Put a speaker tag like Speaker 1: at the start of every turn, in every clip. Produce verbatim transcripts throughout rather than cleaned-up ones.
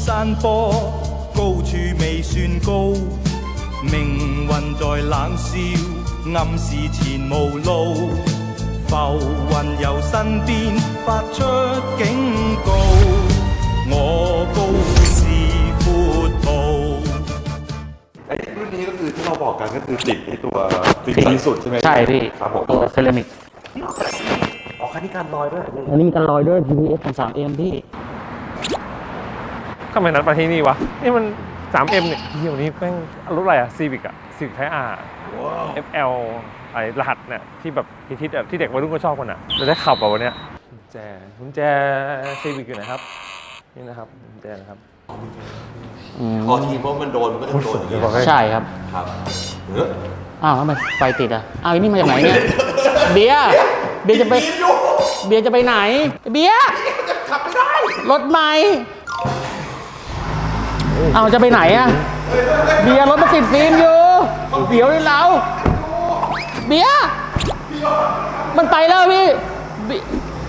Speaker 1: 山坡，高處未算高，命運在冷笑，暗示前無路。浮雲由身邊發出警告，我高是闊途。
Speaker 2: ไอ้รุ่นนี้ก็คือที่เราบอกกันก็คือติดไอ้ตัวติดที่สุดใช่ไหม
Speaker 3: ใช่พี่
Speaker 2: ครับผม
Speaker 3: ตัวเซรามิก
Speaker 2: ออกคันนี้การลอยด้วย
Speaker 3: อันนี้มีการลอยด้วย พี พี เอส สาม เอ็ม พี่
Speaker 4: ทำไมนัดมาที่นี่วะนี่มัน สาม เอ็ม เนี่ยเดี๋ยวนี้แม่งรถอะไรอะ Civic อะ Civic Type R เอฟ แอล ไอ้รหัสเนี่ยที่แบบฮิตๆอะที่เด็กวัยรุ่นก็ชอบกันอะจะได้ขับแบบวันเนี้ยกุญแจกุญแจ Civic อยู่ไหนครับนี่นะครับกุญแจนะครับ
Speaker 2: พอทีเพราะมันโดนมันก็จะโดนอย่างนี้
Speaker 3: ใช่ครับ
Speaker 2: ครับเออ
Speaker 3: อ้าวทำไมไฟติดอ่ะ อ้าวอันนี้มาจากไหนเนี่ย เบียร์เบียร์จะไป เบียร์จะไปไหน เบียร์ขับไม่ได้ รถใหม่อ้าวจะไปไหนอ่ะ เบียร์รถมันติดฟิล์มอยู่ เดี๋ยวเลยเรา เบียร์มันไปแล้วพี่เบียร์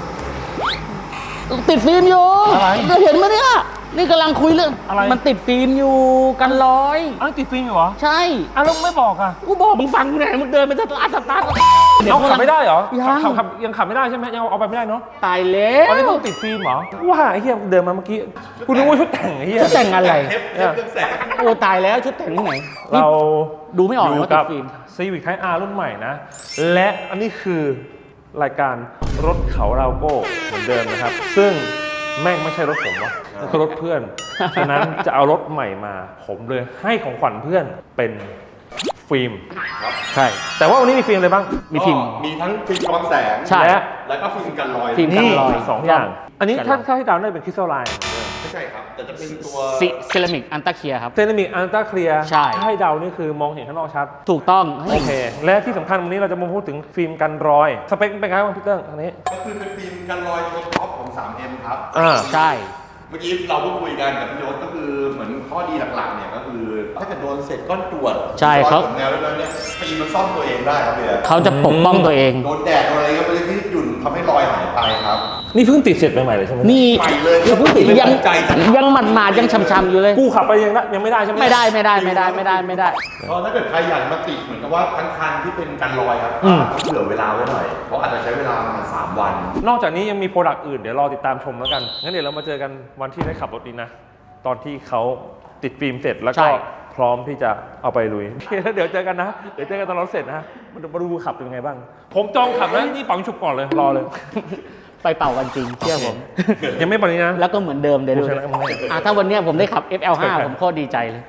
Speaker 3: ติดฟิล์มอยู่
Speaker 4: อะไร
Speaker 3: เราเห็นไหมเนี่ย นี่กำลังคุยเรื่อง
Speaker 4: อะไร
Speaker 3: มันติดฟิล์มอยู่กันลอย
Speaker 4: อ้าวติดฟิล์มอยู่เหรอ
Speaker 3: ใช่
Speaker 4: อ้าวแล้วไม่บอกอะ
Speaker 3: กูบอกมึงฟังกูหน่อยมึงเดินไปสตาร์ทสตาร์ท
Speaker 4: เอาขับไม่ได้เหรอ
Speaker 3: ยัง
Speaker 4: ขับขับยังขับไม่ได้ใช่ไหมยังเอาไปไม่ได้เนาะ
Speaker 3: ตายแล้
Speaker 4: ตอนนี้
Speaker 3: ว
Speaker 4: ต้องติดฟิล์มเหรอว่าไอ้เหี้ยเดินมาเมื่อกี้กูนึกว่าชุดแต่งไอ้เหี้ย
Speaker 3: ชุดแต่งอะไร
Speaker 2: เทปเทปเครื่องแสง
Speaker 3: โอ้ตายแล้วชุดแต่งที่ไหน
Speaker 4: เรา
Speaker 3: ดูไม่ออก
Speaker 4: ยู่
Speaker 3: ว่าติ
Speaker 4: กั
Speaker 3: ดฟิล์ม
Speaker 4: Civic Type R รุ่นใหม่นะ และอันนี้คือรายการรถเขาเราโก้เหมือนเดิมนะครับ ซึ่งแม่งไม่ใช่รถผมวะมันคือรถเพื่อน ฉะนั้นจะเอารถใหม่มา ผมเลยให้ของขวัญเพื่อนเป็นฟิล์ม
Speaker 3: ใช่
Speaker 4: แต่ว่าวันนี้มีฟิล์มอะไรบ้าง
Speaker 3: มีฟิล์ม
Speaker 2: มีทั้งฟิล์มกรองแสง
Speaker 3: ใช่
Speaker 4: และ
Speaker 2: แล้วก็ฟิล์มกันรอย
Speaker 3: ฟิล์ม กันลอย
Speaker 4: สองอย่าง อันนี้
Speaker 3: กันลอย
Speaker 4: ถ้าถ้าให้เดาวได้เป็นคริสตัลไลน์
Speaker 2: ไม่ใช่ครับ แต่จะเป็นตัว
Speaker 3: ซิเซรามิกอันตาเคียครับ
Speaker 4: เซรามิกอัลตราเคลียร์
Speaker 3: ใช่
Speaker 4: ถ้าให้เดานี่คือมองเห็นข้างนอกชัด
Speaker 3: ถูกต้อง
Speaker 4: โอเค และที่สำคัญวันนี้เราจะมาพูดถึงฟิล์มกันรอย สเปคเป็นไงบ้างพี่เติ้งอันนี้
Speaker 2: ก็คือเป็นฟิล์มกันรอยตัวท็อปของ สาม เอ็ม ครับ
Speaker 4: อ่า
Speaker 3: ใช่
Speaker 2: เมื่อกี้เราก็คุยกันกับพี่ยศก็คือเหมือนข้อดีหลักๆเนี่ยก็คือถ้าเกิดโดนเศษก้อนกรวด
Speaker 3: ใช่เขา
Speaker 2: แนวแล้วเนี่ยฟิล์มมันซ่อมตัวเองได้ครับเบียร์
Speaker 3: เขาจะปกป้องตัวเอง
Speaker 2: โดนแดดโดนอะไรก็ไม่ได้ที่หยุ่นทำให้รอยหายไปครับ
Speaker 4: นี่เพิ่งติดเสร็จใหม่ๆเลยใช่ไหม
Speaker 3: นี่
Speaker 2: ใหม่เลย
Speaker 3: ยัง
Speaker 2: เพิ่งติด
Speaker 3: ยัง
Speaker 2: ใจจัง
Speaker 3: ยังหมัดหมาดๆยังช้ำๆอยู่เลย
Speaker 4: กูขับไปยังได้ยังไม่ได้ใช่ไหม
Speaker 3: ไม่ได้ไม่ได้ไม่ได้ไม่ได้ไม่ได้
Speaker 2: ก็ถ้าเกิดใครอยากมาติดเหมือนกับว่าทั้งคันที่เป็นกันรอยครับ
Speaker 4: อืม
Speaker 2: ต้องเผื่อเวลาไว้หน่อย เพราะอาจจะใช้เวลาประมาณสามวัน
Speaker 4: นอกจากนี้ยังมีโปรดักต์อื่นเดี๋ยวรอติดตามชมแล้วกัน งั้นเดี๋ยวเรามาเจอกันวันที่ได้ขับรถดีนะ ตอนที่เขาติดฟิล์มเสร็จแล้ว
Speaker 3: ใช่
Speaker 4: ก็พร้อมที่จะเอาไปลุยโอเคแล้วเดี๋ยวเจอกันนะ เดี๋ยวเจอกันตอนรถเสร็จนะมาดูมาดูขับเป็นยังไงบ้าง ผมจองขับนะนี่ปังฉุบก่อนเลยรอเลย
Speaker 3: ไปเป่ากันจริงเชื่อผม
Speaker 4: ยังไม่ปนี้นะ
Speaker 3: แล้วก็เหมือนเดิมเดี๋ยวดู
Speaker 4: กูชนะมึงแน่
Speaker 3: อ่ะถ้าวันเนี้ยผมได้ขับ เอฟ แอล ไฟว์ ผมโคตรดีใจเลย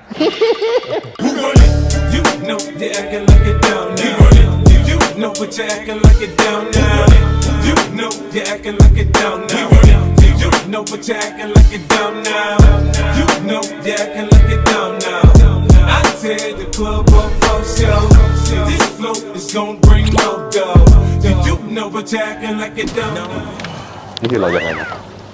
Speaker 5: Who run it? You know you're acting like it down now. You, you know but you're acting like it down now. You know you're acting like it down now. You, you know but you're acting like it down now. You know you're acting like it down now. I tear the club up for show. This flow is gonna bring no dough. You, you know but you're acting like it down now.
Speaker 2: นี่คือเรายังไงนะ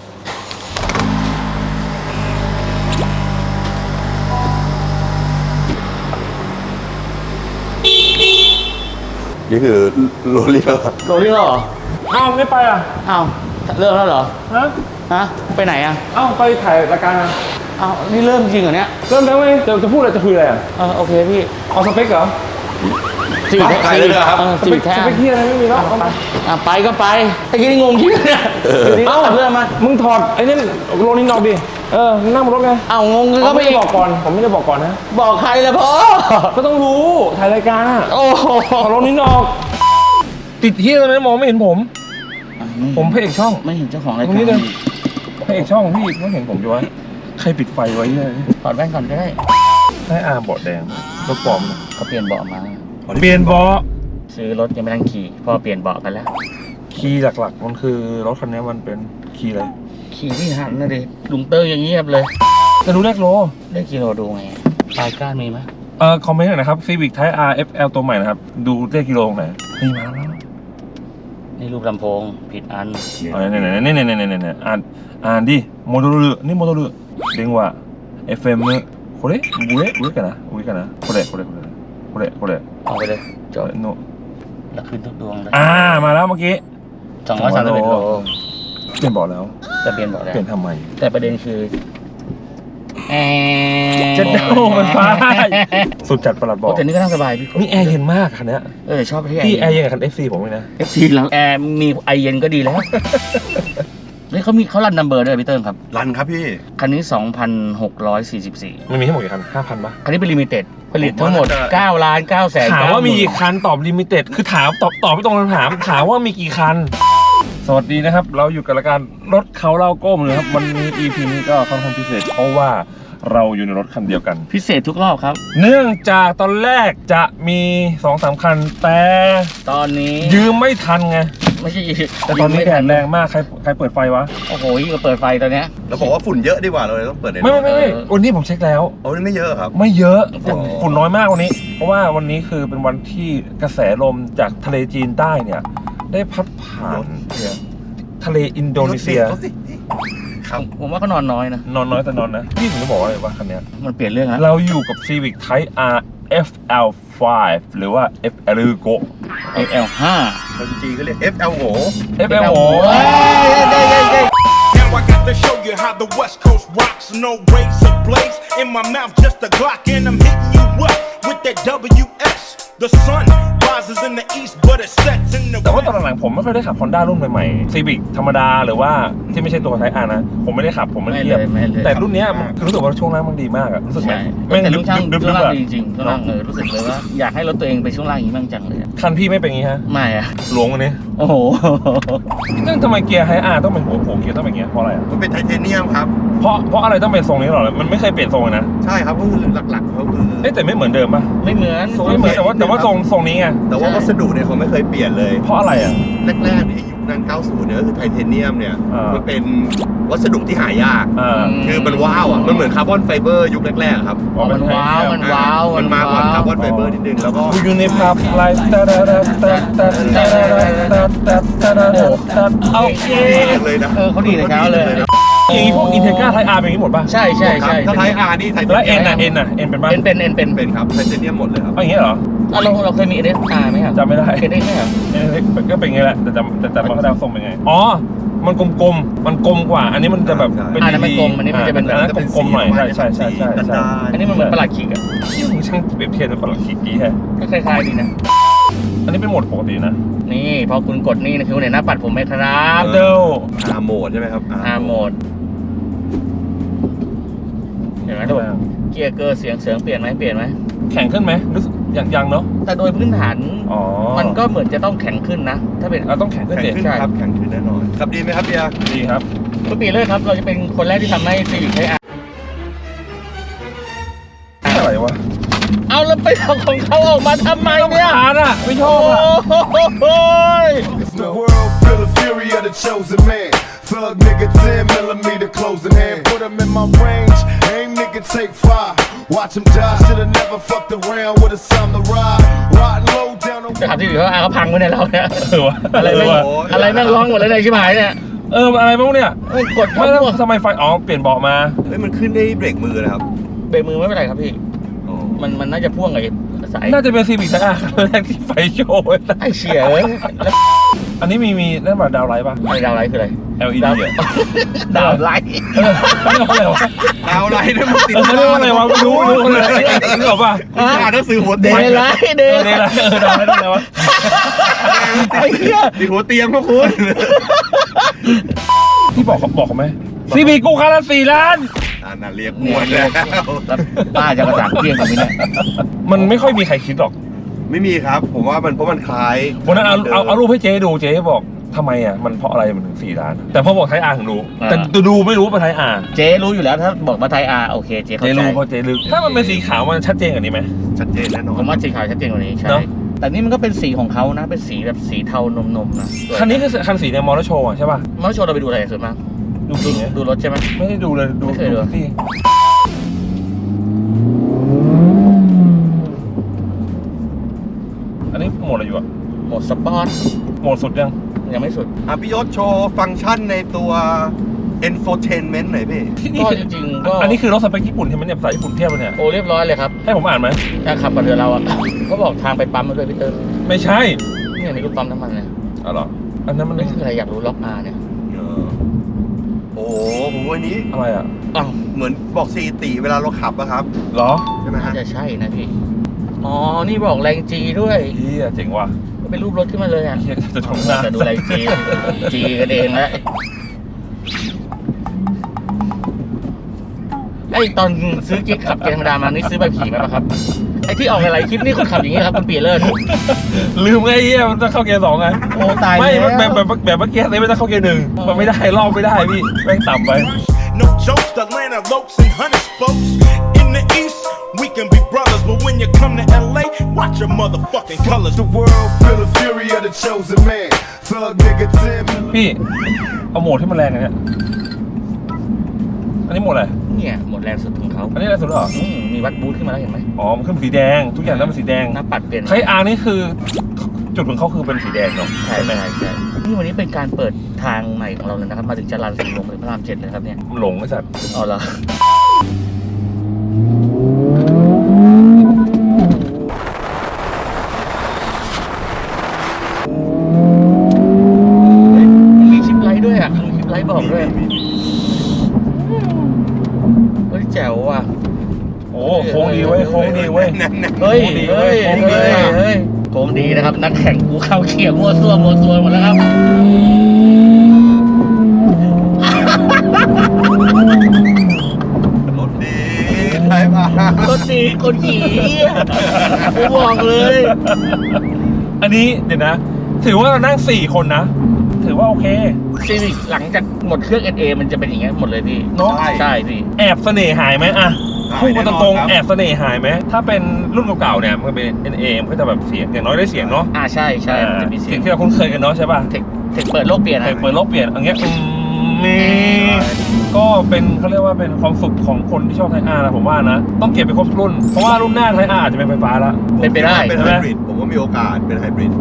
Speaker 2: นี่คือโรลลี่เหรอ
Speaker 3: โรลลี่เหรอ
Speaker 4: เอ้าไม่ไปอ่ะ
Speaker 3: อ้าวเริ่มแล้วเหรอ
Speaker 4: ฮะ
Speaker 3: ฮะ ไปไหนอ่ะ
Speaker 4: เอ้าไปถ่ายรายการอ่ะ
Speaker 3: อ้าว นี่เริ่มจริงเหรอเนี่ย
Speaker 4: เริ่มแล้วไงจะจะพูดอะไรจะคุยอะไรอ่ะ
Speaker 3: เออโอเคพี่
Speaker 4: เอาสเปคเหรอ
Speaker 3: จีบ
Speaker 2: ถ่ายเลยเหรอครับ
Speaker 3: เออ
Speaker 4: ส
Speaker 3: จี
Speaker 4: เป
Speaker 3: บ
Speaker 4: ค
Speaker 3: แท้
Speaker 4: สเปคที่อะไรไม่มีแล้วเอาไป
Speaker 3: อ่ะไปก็ไปไอ้กี้นี่งงจริงเนี่ยอยู่ดีก็
Speaker 4: เอ้า
Speaker 3: ตัดเรื่องมา
Speaker 4: มึงถอดไอ้นี่โรลลิ่งดอกดิเออนั่งบนรถไง
Speaker 3: เอ้างง
Speaker 4: ก็
Speaker 3: ก็
Speaker 4: ไม่
Speaker 3: ไม่
Speaker 4: ได้บอกก่อน ผมไม่ได้บอกก่อนนะ
Speaker 3: บอกใครเลยพ่อ
Speaker 4: ก็ต้องรู้ถ่ายรายการอ่ะ
Speaker 3: โอ้โห
Speaker 4: ขอโรลลิ่งดอก ติดที่ตรงนั้นมองไม่เห็นผม ผมพระเอกช่อง
Speaker 3: ไม่เห็นเจ้าของราย
Speaker 4: ต
Speaker 3: การ
Speaker 4: รงนี้เลยพระเอกช่องพี่ไม่เห็นผมอยู่วะใครปิดไฟไว้เนี่ย
Speaker 3: ถอดแว่นก่อนก็ได้
Speaker 4: ให้อาเบาะแดงรถปลอม
Speaker 3: เขาเปลี่ยนเบาะมา
Speaker 4: เปลี่ยนเบาะ
Speaker 3: ซื้อรถยังไม่ทันขี่พ่อเปลี่ยนเบาะกันแล้ว
Speaker 4: คีย์หลักๆ มันคือรถคันนี้มันเป็นคีย์อะไร
Speaker 3: ขี่ที่หันนะดิลุงเตอร์อย่างเงียบเลย
Speaker 4: จะรู้เลขโล
Speaker 3: ได้กิโลดูไงปลายก้านมีไหม
Speaker 4: เอ่อคอมเมนต์หน่อยนะครับ Civic Type R เอฟ แอล ตัวใหม่นะครับ ดูเลขกิโลตรงไหนนี่มาแล้ว
Speaker 3: นี่รูปลำโพงผิดอัน
Speaker 4: อ๋อเนี่ยเนี่ยเนี่ยเนี่ยเนี่ยเนี่ยอ่านอ่านดิโมโดルนี่โมโดル電話 เอฟ เอ็ม これ上上かな上かなこれこれこれこれこれ
Speaker 3: เอาไปเลยจบ
Speaker 4: โน
Speaker 3: แล้วขึ้นทุกดวงเลย
Speaker 4: อ่ามาแล้วเมื่อกี้
Speaker 3: สองร้อยสามสิบเอ็ดโล
Speaker 4: เปลี่ยนเบาะแล้ว
Speaker 3: จะเปลี่ยนเบาะแล้ว
Speaker 4: เปลี่ยนทำไม
Speaker 3: แต่ประเด็นคือแอร์
Speaker 4: เจ็ดโอ้มันฟ้าสุดจัดประหลัดบอ
Speaker 3: โอ้
Speaker 4: ก
Speaker 3: แต่นี่ก็นั่งสบายพี่
Speaker 4: นี่แอร์เย็นมากคันเนี้ย
Speaker 3: เออชอบที่แอร์
Speaker 4: พี่แอร์เย็นกับคัน เอฟ ซี ผมเลยนะ
Speaker 3: เอฟซีแล้วแอร์มีไอเย็นก็ดีแล้วเฮ้ยเขามีเขารันนัมเบอร์ด้วยพี่เติ้ลครับ
Speaker 2: รันครับพี่
Speaker 3: คันนี้ สองพันหกร้อยสี่สิบสี่
Speaker 4: มันมีทั้งหมดกี่คันห้าพันปะ
Speaker 3: คันนี้เป็นลิมิเต็ดผลิตทั้งหมด
Speaker 2: ผมว่าน่าจะ
Speaker 3: เก้าล้านเก้าแสน
Speaker 4: ถามว่ามีกี่คันตอบลิมิเต็ดคือถามตอบตอบไม่ตรงคำถามถามว่ามีกี่คัน สวัสดีนะครับ เราอยู่กับรายการรถเขาเล่าก้มนะครับ วันนี้ อี พี นี้ก็ค่อนข้างพิเศษ เพราะว่าเราอยู่ในรถคันเดียวกัน
Speaker 3: พิเศษทุกรอบครับ
Speaker 4: เนื่องจากตอนแรกจะมี สองสาม คัน แต่
Speaker 3: ตอนนี้
Speaker 4: ยืมไม่ทันไง
Speaker 3: ไม่ใช่
Speaker 4: แต่ตอนนี้แดดแรงมากใครใครเปิดไฟวะ
Speaker 3: โอ้โหยิ่งกว่าเปิดไฟตอนเนี้ย
Speaker 2: เราบอกว่าฝุ่นเยอะดีกว่าเราเลยต้องเปิดใน
Speaker 4: ไม่ไม่ไม่ไม่
Speaker 3: เออ
Speaker 4: วันนี้ผมเช็คแล้ว
Speaker 2: โอ้นี่ไม่เยอะครับ
Speaker 4: ไม่เยอะฝุ่น
Speaker 2: อ๋อ
Speaker 4: ฝุ่นน้อยมากวันนี้ เพราะว่าวันนี้คือเป็นวันที่กระแสลมจากทะเลจีนใต้เนี่ย ได้พัดผ่านเนี่ยทะเลอินโดนีเซีย
Speaker 2: รถสิครับ
Speaker 3: ผมว่าเขานอนน้อยนะ
Speaker 4: นอนน้อยแต่นอนนะพี่ผมจะบอกว่าอะไรว่าคันเนี้ย
Speaker 3: มันเปลี่ยนเรื่องแล้ว
Speaker 4: เราอยู่กับ Civic Type R เอฟ แอล ไฟว์ หรือว่า เอฟ แอล โก
Speaker 3: เอฟ แอล ห้า
Speaker 2: คนจีนก็เรียก เอฟ แอล โห
Speaker 4: เอฟ แอล โ
Speaker 5: Now I got to show you how the West Coast rocks. No razor blades in my mouth, just a Glock, and I'm hitting you up with that W S. The sun rises in the east, but it sets in the
Speaker 4: แต่ว่า
Speaker 5: west.
Speaker 4: ตอนหลังๆผมไม่ค่อยได้ขับ Honda รุ่นใหม่ๆ Civic ธรรมดาหรือว่าที่ไม่ใช่ตัว Type R นะ ผมไม่ได้ขับผมไม่ได้
Speaker 3: ไม่
Speaker 4: เทียบ
Speaker 3: เลยไม่เลย
Speaker 4: แต่รุ่นเนี้ยมันรู้สึกว่าช่วงล่างมันดีมากอะรู้สึกไหม
Speaker 3: ใช่
Speaker 4: แม่ง
Speaker 3: แต่
Speaker 4: ดึ
Speaker 3: ลู
Speaker 4: บ
Speaker 3: กช่าง
Speaker 4: ดึบ
Speaker 3: ช่
Speaker 4: ดึ
Speaker 3: วง
Speaker 4: บ
Speaker 3: ล่าง
Speaker 4: อะ
Speaker 3: ดีจริงๆช่วงล่างเออรู้สึกเลยว่าอยากให้รถตัวเองไปช่วงล่างอย่างนี้บ้างจังเลยอะ
Speaker 4: คันพี่ไม่เป็นอย่างงี้ฮะ
Speaker 3: ไม่อะ
Speaker 4: หลวงวันนี้
Speaker 3: โอ้โห
Speaker 4: ซึ่งทำไมเกียร์ Type R ต้องเป็นหัวโผล่เกียร์ต้องเป็นอย่างเงี้ยเพราะอะไรอะ
Speaker 2: มันเป็นไทเทเนียมครับ
Speaker 4: เพราะเพราะอะไรต้องเป็นทรงนี้หรอมันไม่เคยเปลี่ยนทรงเลยนะ
Speaker 2: ใช่ครับก็คือหลักๆเขาคือ
Speaker 4: เอ๊ะแต่ไม่เหมือนเดิมป่ะ
Speaker 3: ไม่เหมือน
Speaker 4: ไม่เหมือนแต่ว่าแต่ว่าทรงทรงนี้ไง
Speaker 2: แต่ว่าวัสดุเนี่ยเขาไม่เคยเปลี่ยนเลย
Speaker 4: เพราะอะไรอ่ะ
Speaker 2: แรกๆในยุคนั้นเก้าสิบเนี่ยก็คือไทเทเนียมเนี่ย
Speaker 4: อ่ามั
Speaker 2: มันเป็นวัสดุที่หายาก
Speaker 4: อ่า
Speaker 2: คือมันว้าวอ่ะ มันเหมือนคาร์บอนไฟเบอร์ยุคแรกๆอะครับ
Speaker 3: อ๋อมันว้าวมันว้าว
Speaker 2: มันมาก่อนคาร์บอนไฟเบอ
Speaker 3: ว้าว
Speaker 2: ร์นิดนึงแล้วก็
Speaker 4: กูอยู่ในภาพไลฟ์ตาดาดาตาตาตาดาดาตาตาดาดาตาโอเค
Speaker 2: เลยนะ
Speaker 3: เออเขาดีแต่เช้าเลย
Speaker 4: อย่างนี้พวกอินเทกราไทอาร์เป็นอย่างนี้หมดป่ะ
Speaker 3: ใช่ใช่ใช่
Speaker 2: ถ้าไทอาร์นี่ไทเท
Speaker 4: แล้ว
Speaker 2: เนี
Speaker 4: เอ็
Speaker 2: ย
Speaker 4: น
Speaker 2: ม
Speaker 4: อ่ะเอ็นอ่ะเอ็นเป็นป่ะ
Speaker 3: เป็นเป็นเอ็นเป็น
Speaker 2: เป็นครับไทเทเนียมหมดเลยครับ
Speaker 4: เอาอย่างนี้เหรอ
Speaker 3: อ่ะเราเราเคยมีเอเดสอาร์ไหมครับ
Speaker 4: จำไม่ได้
Speaker 3: เคยได้ไหมครับ
Speaker 4: เอ็นก็เป็นอย่างนี้แหละแต่จำแต่จำมาเขาทรงเป็นไงอ๋อมันกลมๆมันกลมกว่า อันนี้มันจะแบบเป็น
Speaker 3: อันนั้นมันกลมอันนี้มันจะเป็น
Speaker 4: อันนั้นกลมๆหน่อยใช่ใช่ใช่ใช่ใช่
Speaker 3: อันนี้มันเหมือนประหลัดขิกอะ
Speaker 4: ที่มึงช่างเปรียบเทียบเป็นปลาขีกี้แฮะ
Speaker 3: ก็คล้ายๆดีนะ
Speaker 4: อันนี้เป็นโหมดปกตินะ
Speaker 3: นี่พอคุณกดนี่นะคือในหน้าปัดผมไหมครับ
Speaker 4: เดิล
Speaker 2: อาร์โหมดใช่ไหมครับ
Speaker 3: อาร์โหมดเห็นไหมทุกคนเกียร์เกอร์เสียงเสียงเปลี่ยนไหมเปลี่ยนไหม
Speaker 4: แข็งขึ้นไหมรู้สึกยังยังเนาะ
Speaker 3: แต่โดยพื้นฐาน
Speaker 4: อ๋อ
Speaker 3: มันก็เหมือนจะต้องแข็งขึ้นนะ ถ้าเป็น
Speaker 4: เราต้องแข็งขึ้น
Speaker 2: แข็ง
Speaker 4: เด็
Speaker 2: ขึ้นครับแข็งขึ้นแน่นอนขับดีไหมครับเบียร์
Speaker 4: ดีครับ
Speaker 3: ทุกปีเลยครับ เราจะเป็นคนแรกที่ทำให้ซีวิคใช้อาร์
Speaker 4: อะไรวะ
Speaker 3: เอาแล้วไปเอาของเขาออกมาทำไมเนี่ย
Speaker 4: อ่านอ่ะไม่ชอ
Speaker 3: โอ้
Speaker 4: บอ่ะ
Speaker 3: โห
Speaker 5: The world feel the fury of the chosen man. Thug nigga, ten millimeter closing hand. Put him in my range. Aim nigga, take five. Watch him die. Shoulda never fucked around with a samurai. Riding low down on.
Speaker 3: จะทำที่อื่นเขาอาร์เขาพังไว้ในเราเนี่ย
Speaker 4: เออวะ
Speaker 3: อะไร
Speaker 4: เอ
Speaker 3: แม่
Speaker 4: องวะ
Speaker 3: อะไรแม่งร้องหมดเลยในชิบหายเนี่ย
Speaker 4: เอออะไรบ้างเนี่ย
Speaker 3: เอ้ยกด
Speaker 4: ไม่
Speaker 3: เข้า
Speaker 4: แล้ว
Speaker 3: พวก
Speaker 4: ทำไมไฟอ๋อเปลี่ยนเบาะมา
Speaker 2: เฮ้ยมันขึ้นได้เบรกมือนะครับ
Speaker 3: เบรกมือไม่เป็นไรครับพี่ มันมันน่าจะพ่วงกับไอ้สาย
Speaker 4: น่าจะเป็นซีวิกไทอาร์ครั้งแรกที่ไฟโชว์เลยนะ
Speaker 3: ไอ้เชี่ยเอ้ยแล้ว
Speaker 4: อันนี้มีมีนั่นแบบดาวไลท์ป่ะ
Speaker 3: ไอ้ดาวไลท์คืออะไร
Speaker 4: แอล อี ดี
Speaker 3: ดาว
Speaker 4: อ่ะ
Speaker 3: ดาวไลท์
Speaker 4: เออเขาเรียกว่าอะไรวะ
Speaker 2: ดาวไลท์เนี่ยมันติด
Speaker 4: เออเขาเรียกว่าอะไรวะไม่รู้ไม่รู้เลยนึกออกป่ะ
Speaker 2: อ่านหนังสือหัว
Speaker 3: เด
Speaker 2: เตียง
Speaker 3: ย์ไลท์เด
Speaker 4: เออ
Speaker 3: ย์
Speaker 4: เนี่ยแหละเออดาวไลท์อะไรวะ
Speaker 3: ไอ้เหี้ย
Speaker 2: ติดหัวเตียงพวกคุณ
Speaker 4: พี่บอกเขาบอกเขาไหมซีวิกกูคันละสี่ล้าน
Speaker 2: อ่าน่าเรียกมวนแล้ว
Speaker 3: แล้วป้าจะกระจ่างเที่ยงกับนี่เนี่ย
Speaker 4: มันไม่ค่อยมีใครคิดหรอก
Speaker 2: ไม่มีครับ ผมว่ามันเพราะมันคล้าย
Speaker 4: วันนั้นเอาเอาเอารูปให้เจ๊ดูเจ๊บอกทำไมอ่ะมันเพราะอะไรมันถึงสี่ล้าน แต่พอบอกไทยอาร์ถึงรู้ แต่ดูไม่รู้ว่าไทยอาร์
Speaker 3: เจ๊รู้อยู่แล้วถ้าบอกมาไทยอาร์โอเคเจ๊เข้า
Speaker 4: เจ๊
Speaker 3: ใจ
Speaker 4: รู้เพราะเจ๊ลึกถ้ามันเป็นสีขาวมันชัดเจนกว่านี้ไหม
Speaker 2: ชัดเจนแน่นอน
Speaker 3: ผมว่าสีขาวชัดเจนกว่านี้ใช่
Speaker 4: เนอะ
Speaker 3: แต่นี่มันก็เป็นสีของเขานะ เป็นสีแบบสีเทานมๆนะ
Speaker 4: คันนี้คือคันสีในมอเตอร์โชว์อะใช่ป่ะ
Speaker 3: มาโชว์เราไปดูอะไรส่วนมาก
Speaker 4: ดู
Speaker 3: ดู
Speaker 4: สีไง
Speaker 3: ดูรถใช่ไหม
Speaker 4: ไม่ได้ดูเลยดู
Speaker 3: ไม่เคยดู
Speaker 4: ที่อันนี้โหมดอะไรอยู่อะ
Speaker 3: โหมดสปอร์ต
Speaker 4: โหมดสุดยัง
Speaker 3: ยังไม่สุด
Speaker 2: อ่ะพี่ยศโชว์ฟังก์ชันในตัว infotainment หน่อยพี่
Speaker 4: ที่นี่
Speaker 3: ก็
Speaker 4: คือ
Speaker 3: จริงๆก็
Speaker 4: อันนี้คือรถสเปคญี่ปุ่นใช่ไหมเนี่ยภาษาญี่ปุ่นเทียบเลยเนี่ย
Speaker 3: โอ้เรียบร้อยเลยครับ
Speaker 4: ให้ผมอ่านไหม
Speaker 3: ถ้าขับกับเรือเราอ่ะ เขาบอกทางไปปั๊มมาด้วยพี่เติ้ล
Speaker 4: ไม่ใช่
Speaker 3: เนี่ยนี่ก็ปั๊มน้ำมันเลย
Speaker 4: อ๋อเหรออันนั้นมัน
Speaker 3: นี่คืออะไรอยากรู้ล็อกอาร์เนี่ย
Speaker 2: เออโอ้โหผมว่านี้
Speaker 4: อะไรอ่ะ
Speaker 3: อ้าว
Speaker 2: เหมือนบอกสถิติเวลาเราขับอะครับ
Speaker 4: เหรอ
Speaker 2: ใช่ไหม
Speaker 3: น่า
Speaker 2: ฮะ
Speaker 3: จะใช่นะพี่ อ๋อ นี่บอกแรงจีด้วย
Speaker 4: เฮียเจ๋งว่ะ
Speaker 3: เป็นรูปรถขึ้นมาเลยอ่ะ
Speaker 4: เฮียจะชมหน้า
Speaker 3: จะดูแรงจีจีกันเองแล้วไอ้ตอนซื้อกิ๊กขับเกียร์ธรรมดามานี่ซื้อใบขี่ไหมปะครับ ไอ้ที่ออกหลายๆคลิปนี่คนขับอย่างนี้ครับคุณปีเลิศ
Speaker 4: ลืมไงเฮียมันต้องเข้าเกียร์สองไง
Speaker 3: โอ้ตาย
Speaker 4: ไม่
Speaker 3: แล้ว
Speaker 4: แบบแบบแบบเมื่อกี้เลยไม่ต้องเข้าเกียร์หนึ่งมันไม่ได้รอบไม่ได้พี่แม่งต่ำไป
Speaker 5: No jokes, Atlanta lokes and hundred spokes. In the East, we can be brothers, but when you come to L A, watch your motherfucking colors.
Speaker 6: The world feel the fury of the chosen man. Thug nigga Tim.
Speaker 4: พี่เอาโหมดที่มันแรงอันเนี้ยอันนี้โหมดอะไร
Speaker 3: เนี่ยหมดแรงสุดของเขา
Speaker 4: อันนี้แรงสุดเหรอ
Speaker 3: อืมมีวัดบูทขึ้นมาแล้วเห็นไหม
Speaker 4: อ๋อมันขึ้นสีแดงทุกอย่างนั้นเป็นสีแดง
Speaker 3: หน้าปัดเปลี่ยน
Speaker 4: ไทอาร์นี่คือจุดของเขาคือเป็นสีแดงเนาะ
Speaker 3: ใช่ใช่ใช่นี่วันนี้เป็นการเปิดทางใหม่ของเราเลยนะครับ มาถึงจรัญสีลมถึงพระรามเจ็ดเลยครับเนี่ย
Speaker 4: มันหลงไอ้สัตว์
Speaker 3: อ๋อเหรอ มันมีชิปไลท์ด้วยอ่ะมีชิปไลท์บอกด้วยเฮ้ยแจ๋วว่ะ
Speaker 4: โอ้โค้งดีเว้ยโค้งดีเว้ย
Speaker 3: เฮ้ย
Speaker 4: โค้งดี
Speaker 3: เฮ้ย
Speaker 4: โค้งดี
Speaker 3: เฮ้ยเฮ้ยโค้งดีนะครับ นักแข่งกูเข้าเขียงมั่วซั่วมั่วซั่วหมดแล้วครับ
Speaker 2: รถดีใช่ป่ะ
Speaker 3: รถดีคนขี่กูบอกเลย
Speaker 4: อันนี้เดี๋ยวนะ ถือว่าเรานั่งสี่คนนะ ถือว่าโอเค
Speaker 3: ซีวิกหลังจากหมดเครื่อง เอส เอ มันจะเป็นอย่างเงี้ยหมดเลยพี่
Speaker 4: เนอะ
Speaker 3: ใช่พี่
Speaker 4: แอบเสน่ห์หายไหมอะ
Speaker 2: หาย
Speaker 4: พูดกันตรง
Speaker 2: แน่นอนครับ
Speaker 4: ๆแอบเสน่ห์หายไหมถ้าเป็นรุ่นเก่าๆเนี่ยมันเป็น เอ็น เอ มันก็จะแบบเสียงอย่างน้อยได้เสียงเนาะ
Speaker 3: อ่าใช่ใช่มันจะมีเสี
Speaker 4: เสี
Speaker 3: ย
Speaker 4: ย
Speaker 3: ง
Speaker 4: งที่เราคุ้นเคยกันเนาะใช่ป่ะ
Speaker 3: เทคเทคเปิดโลกเปลี่ยน
Speaker 4: แต่
Speaker 3: นะ
Speaker 4: เปิดโลกเปลี่ยนอย่างเงี้ยอืมมีก็เป็นเขาเรียกว่าเป็นความสุขของคนที่ชอบไทอาร์นะผมว่านะ ต้องเก็บไปครบรุ่น เพราะว่ารุ่นหน้าไทอาร์อาจจะเป็นไฟฟ้าแล้ว
Speaker 3: เป็นไปได้
Speaker 2: เป็น
Speaker 4: ใช่
Speaker 2: ไฮ
Speaker 4: ไหม
Speaker 2: บริดผมว่ามีโอกาสเป็นไฮบริด